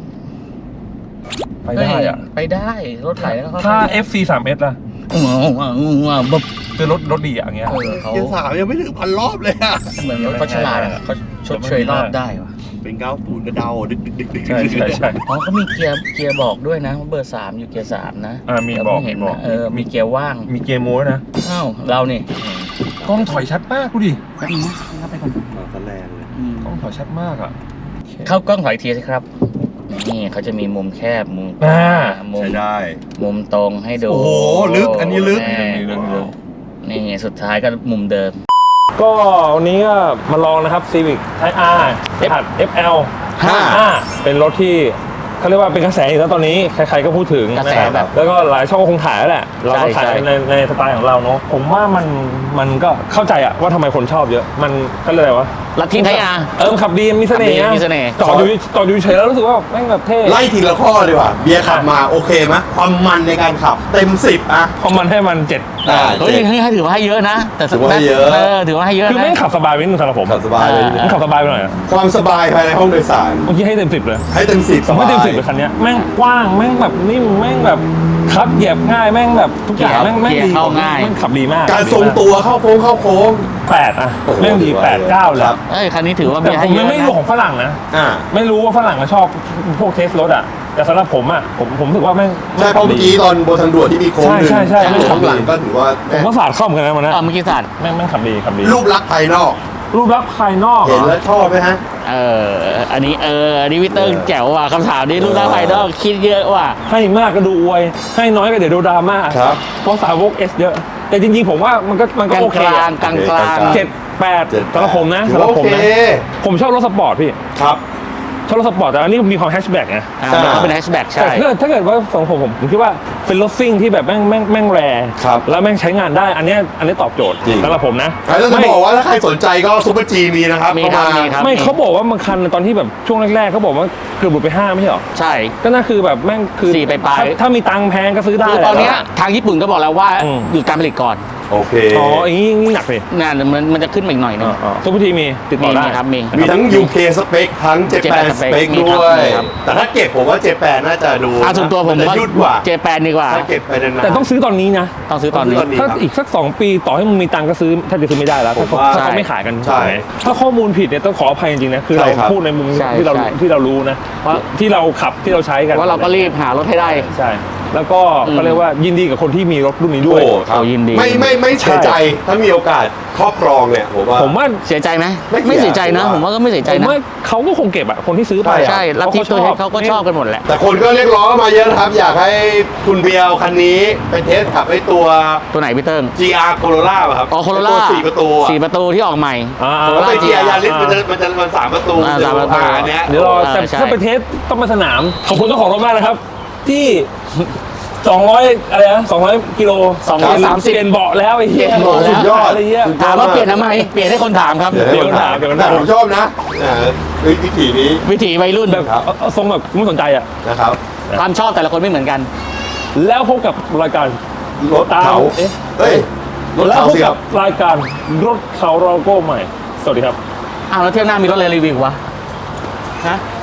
Speaker 4: ไปได้อ่ะ
Speaker 3: ไปได้รถไหลแล้วเขา
Speaker 4: ถ้า เอฟ ซี สาม เอส ล่ะ
Speaker 3: อืมอืมอืมบบ
Speaker 4: คือรถรถดีอ่ะอย่างเงี้ย
Speaker 3: เออเขา
Speaker 2: เกียร์สามยังไม่ถึงพันรอบเลยอะ
Speaker 3: เหมือนรถเขาฉลาดอะเขาชดเชยรอบได้วะ
Speaker 2: เป็นเก้าศูนย์กระเดาดึกดึกดึกดึก
Speaker 4: ใช่ใช่ใช่
Speaker 3: อ๋อเขามีเกียร์เกียร์บอกด้วยนะว่าเบอร์สามอยู่เกียร์สามนะ
Speaker 4: อ่ามี
Speaker 3: เรา
Speaker 4: บอก
Speaker 3: เพิ่งเห็น
Speaker 4: มีบอก
Speaker 3: นะเออมีเกียร์ว่าง
Speaker 4: มีเกียร์โม้ด้วยนะ
Speaker 3: อ้าวเรานี่
Speaker 4: กล้องถอยชัดมากดูดิ
Speaker 3: แป๊บนึงนะนับไปก่อน
Speaker 2: มาซะแรงเลย
Speaker 3: อืม
Speaker 4: กล้องถอยชัดมากอ่ะ
Speaker 3: เข้ากล้องถอยทีสิครับนี่เขาจะมีมุมแคบมุม
Speaker 4: อ่า
Speaker 3: มุม
Speaker 2: ใช้ได้
Speaker 3: มุมตรงให้ดู
Speaker 2: โอ้โหลึกอันนี้ลึก
Speaker 3: แ
Speaker 4: นี่เรื่องนี้เรื่อง
Speaker 3: นี่สุดท้ายก็มุมเดิม
Speaker 4: ก็วันนี้ก็มาลองนะครับ Civic Type R รหัส เอฟ แอล
Speaker 2: ห้า
Speaker 4: เป็นรถที่เขาเรียกว่าเป็นกระแสอยู่แล้วตอนนี้ใครๆก็พูดถึง
Speaker 3: กระแส
Speaker 4: นค
Speaker 3: แบบ
Speaker 4: แล้วก็หลายช่องก็คงถ่ายแล้วแหละเราก็ถ่าย
Speaker 3: ใช่
Speaker 4: ในในสไตล์ของเราเนาะผมว่ามันมันก็เข้าใจอะว่าทำไมคนชอบเยอะมันก็เลยว่า
Speaker 3: ลัทธิไทยอา
Speaker 4: เออมันขับดีมีเสน่ห์
Speaker 3: ขับดีมีเสน่ห์
Speaker 4: จอดอยู่จอดอยู่เฉยแล้วรู้สึกว่าแม่งแบบเท่
Speaker 2: ไล่ทีละข้อดีกว่า เบียร์ขับมาโอเคไหมความมันในการขับเต็มสิบอะ
Speaker 4: พอมันให้มันเจ็ด
Speaker 2: อ่า
Speaker 3: เฮ้ยนี่ถือว่าให้เยอะนะ แต่
Speaker 2: ถือว่าให้เยอะ
Speaker 3: เออถือว่าให้เยอะ
Speaker 4: คือ
Speaker 3: นะ
Speaker 4: แม่งขับสบายไปนิดนึงสำหรับผม
Speaker 2: ขับสบายเลย
Speaker 4: มันขับสบายไปหน่อยอะ
Speaker 2: ความสบายภายในห้องโดยสาร
Speaker 4: เมื่อกี้ให้เต็มสิบเลย
Speaker 2: ให้เต็มสิบ
Speaker 4: ผมไม่เต็มสิบเลยคันเนี้ยแม่งกว้างแม่งแบบนิ่มแม่งแบบคับเหยียบง่ายแม่งแบบทุกอย่างแม่งแม่งดี
Speaker 3: เข้าง่าย
Speaker 4: แม่งขับดีมาก
Speaker 2: การทรงตัวเข้าโค้งเข้าโค้ง
Speaker 4: แปดอะ
Speaker 2: โอ้โห
Speaker 4: แม่งดีแปดเก้าเลย
Speaker 2: ครับ
Speaker 3: เอ้ยคันนี้ถือว่า
Speaker 4: แต่
Speaker 3: มี
Speaker 4: ผ
Speaker 3: ให้
Speaker 4: ม
Speaker 3: เย
Speaker 4: ยัง
Speaker 3: อะ
Speaker 4: ไม่รู้
Speaker 3: นะ
Speaker 4: ของฝรั่งนะ
Speaker 2: อ่า
Speaker 4: ไม่รู้ว่าฝรั่งเขาชอบพวกเทสรถอะแต่สำหรับผมอะผมผมรู้สึกว่าแม่ง
Speaker 2: ใช่เพราะเมื่อกี้ตอนบนทางด่วนที่มีโค้งหนึ่ง
Speaker 4: ใช่ใช่ใช่
Speaker 2: ข้างหลังก็ถือว่า
Speaker 4: ผมก็สาดเข้าเหมือนกันนะมันนะ
Speaker 3: เออเมื่อกี้สัตว์
Speaker 4: แม่งแม่งขับดีขับดี
Speaker 2: รูปลักษณ์ภายนอก
Speaker 4: รูปลักษณ์ภายนอก
Speaker 2: เห็นแล้วชอบไหมฮะ
Speaker 3: เอออันนี้เอออันนี้วิเตอร์
Speaker 2: เออ
Speaker 3: แจ๋วว่ะคำถามนี้รูปร่างภายนอกคิดเยอะว่ะ
Speaker 4: ให้มากก็ดูอวย ให้น้อยก็เดี๋ยวดูดราม่า
Speaker 2: ครับ
Speaker 4: เพราะสาวกเอสเยอะ แต่จริงๆผมว่ามันก็มัน
Speaker 3: ก
Speaker 4: ก็
Speaker 3: ลาง
Speaker 4: โอเค
Speaker 3: กลา
Speaker 4: อะ
Speaker 3: งกลางกลาง
Speaker 4: เจ็ดแปด
Speaker 2: เจ็ด
Speaker 4: สำหรับผมนะ
Speaker 2: ถื
Speaker 4: สำ
Speaker 2: อ
Speaker 4: หรับ
Speaker 2: ว่า
Speaker 4: ผม
Speaker 2: โอเค
Speaker 4: นะผมชอบรถสปอร์ตพี่
Speaker 2: ครับ
Speaker 4: ชอบรถสปอร์ตแต่อันนี้มีความแฮชแบ็กไง
Speaker 3: อ่า
Speaker 2: ใช่
Speaker 3: เป็นแฮชแบ็ก
Speaker 4: แต่
Speaker 3: ใช่
Speaker 4: ถ้าเกิดถ้าเกิดว่าสำหรับผมผมผมคิดว่าเป็นรถซิ่งที่แบบแม่งแม่งแม่งแรร์
Speaker 2: ครับ
Speaker 4: แล้วแม่งใช้งานได้อันเนี้ยอันนี้ตอบโจทย์
Speaker 2: จริง
Speaker 4: สำหรับผมนะ
Speaker 2: แล้วจะ
Speaker 4: ไม่
Speaker 2: บอกว่าถ้าใครสนใจก็ซุปเปอร์จีมีนะครับ
Speaker 3: มีครับ
Speaker 2: เข้าา
Speaker 3: มีครับ
Speaker 4: ไม่เขาบอกว่าบางคันตอนที่แบบช่วงแรกๆเขาบอกว่าเกือบหลุดไปห้าไม่ใช่หรอ
Speaker 3: ใช่
Speaker 4: ก็น่าคือแบบแม่งคือ
Speaker 3: สี่ไปปลาย
Speaker 4: ถ้ถ้ามีตังค์แพงก็ซื้อได้
Speaker 3: คือตอนเนี้ยทางญี่ปุ่นก็บอกแล้วว่า
Speaker 4: อืม
Speaker 3: หยุดการผลิตก่อน
Speaker 2: โอเค
Speaker 4: อ๋ออย่างนี้นี่หนักเลย
Speaker 3: นั่นมันมันจะขึ้นมาอีกหน่อยนึง
Speaker 4: ซุปเปอร์ทีมีติดต่
Speaker 3: มี
Speaker 4: อได้
Speaker 3: มีครับมี
Speaker 2: มีทั้ง ยู เค สเปคทั้ง เจแปน
Speaker 3: Japan
Speaker 2: สเปค
Speaker 3: spec มี
Speaker 2: ด้
Speaker 3: ครับ
Speaker 2: วย
Speaker 3: มีครับ
Speaker 2: แต่ถ้าเก็บผมว่าเจแปนน่าจะดู
Speaker 3: อ่าส่วนตัวผม
Speaker 2: นจะ
Speaker 3: ว่า
Speaker 2: ยืดกว่า
Speaker 3: เจแปนดีกว่า
Speaker 2: ถ้าเก็บไปนานๆ
Speaker 4: แต่ต้องซื้อตอนนี้นะ
Speaker 3: ต้องซื้อตอนนี้
Speaker 2: ต้องซื้อตอนนี้
Speaker 4: ถ้าอีกสักสองปีต่อให้มึงมีตังค์ก็ซื้อถ้าจะซื้อไม่ได้แล้ว
Speaker 2: ผ
Speaker 4: ถ้าม เขา
Speaker 2: ว่า
Speaker 4: ถ้าเขาไม่ขายกัน
Speaker 2: ใช่
Speaker 4: ถูกไหมถ้าข้อมูลผิดเนี่ยต้องขออภัยจริงๆนะคือ
Speaker 2: ใช่
Speaker 4: เรา
Speaker 2: ครับ
Speaker 4: พูดในมุม
Speaker 3: ใช่
Speaker 4: ที่เรา
Speaker 3: ใช่
Speaker 4: ที่เรารู้นะ
Speaker 3: เพราะ
Speaker 4: ที่เราขับที่เราใช้กัน
Speaker 3: ว่าเราก็รีบหารถให้ได้
Speaker 4: ใช่แล้วก็ก็เรียกว่ายินดีกับคนที่มีรถรุ่นนี้ด้วย
Speaker 2: โอ้ครับ
Speaker 3: โอ้ยินดี
Speaker 2: ไม่ไม่ไม่เสียใจถ้ามีโอกาสครอบครองเนี่ยผมว่า
Speaker 4: ผมว่า
Speaker 3: เสียใจไหม
Speaker 2: ไม่
Speaker 3: ไม่เสียใจนะ
Speaker 2: ผม
Speaker 3: ผม
Speaker 2: ว่า
Speaker 3: ว่าก็ไม่เสียใจ
Speaker 4: ผม
Speaker 3: นะ
Speaker 4: ว่าเขาก็คงเก็บอะคนที่ซื้อไปอะ
Speaker 3: ใช่ลัทธิตัวเฮดเขาก็ชอบกันหมดแหละ
Speaker 2: แต่คนก็เรียกร้องมาเยอะนะครับ อยากให้คุณเบียร์คันนี้ไปเทสขับไอ้ตัว
Speaker 3: ตัวไหนพี่เติ้ง
Speaker 2: จี อาร์ Corolla ป่ะครับ
Speaker 3: อ๋อโคโร
Speaker 2: ไอ้
Speaker 3: ล่า
Speaker 2: ตัวสี่ประตูอะ
Speaker 3: สี่ประตูที่ออกใหม่
Speaker 4: อ่า
Speaker 3: โคโร
Speaker 2: แล้ว
Speaker 3: ล่า
Speaker 2: ไป
Speaker 3: จี
Speaker 2: เกียร์
Speaker 3: อา
Speaker 2: ยา
Speaker 3: ร์
Speaker 2: ริสมันจะมันจะมันสามประตู
Speaker 3: อ่าสามประตู
Speaker 2: อ่อันเนี้ย
Speaker 4: เดี๋ยวรอแต่
Speaker 3: ใช่
Speaker 4: ถ้าไปเทสต้องมาสนาม ขอบคุณเจ้าของรถมากนะครับ ที่ สองร้อยอะไรนะสองร้อยกิโล
Speaker 3: สองร้อยสามสิบ
Speaker 4: เปลี่ยนเบาะแล้วไอ้เหี้ย
Speaker 3: เปลี่ยนเบาะแล้ว
Speaker 2: สุดยอด
Speaker 4: อะไรเงี้ย
Speaker 2: สุดยอด
Speaker 3: ถามว่าเปลี่ยนทำไมเปลี่ยนให้คนถามครับ
Speaker 2: เดี๋ยวให้คนถาม
Speaker 4: เดี๋ยวคน
Speaker 2: แต่
Speaker 4: ถาม
Speaker 2: ผมชอบนะอ่าเฮ้ยวิถีนี้
Speaker 3: วิถีวัยรุ่น
Speaker 4: แบบเอาเอาทรงแบบไม่สนใจอ่ะ
Speaker 2: นะครับ
Speaker 3: ความชอบแต่ละคนไม่เหมือนกัน
Speaker 4: แล้วพบกับรายการ
Speaker 2: รถเขา
Speaker 4: เอ๊ะ
Speaker 2: เฮ้ยรถ
Speaker 4: แล้ว
Speaker 2: เขา
Speaker 4: พบ
Speaker 2: สิค
Speaker 4: กั
Speaker 2: รั
Speaker 4: บบ รายการรถเขาโลโก้ใหม่ สวัสดีครับ
Speaker 3: อ้าวแล้วเที่ยวหน้ามีรถอะไรรีวิววะฮะ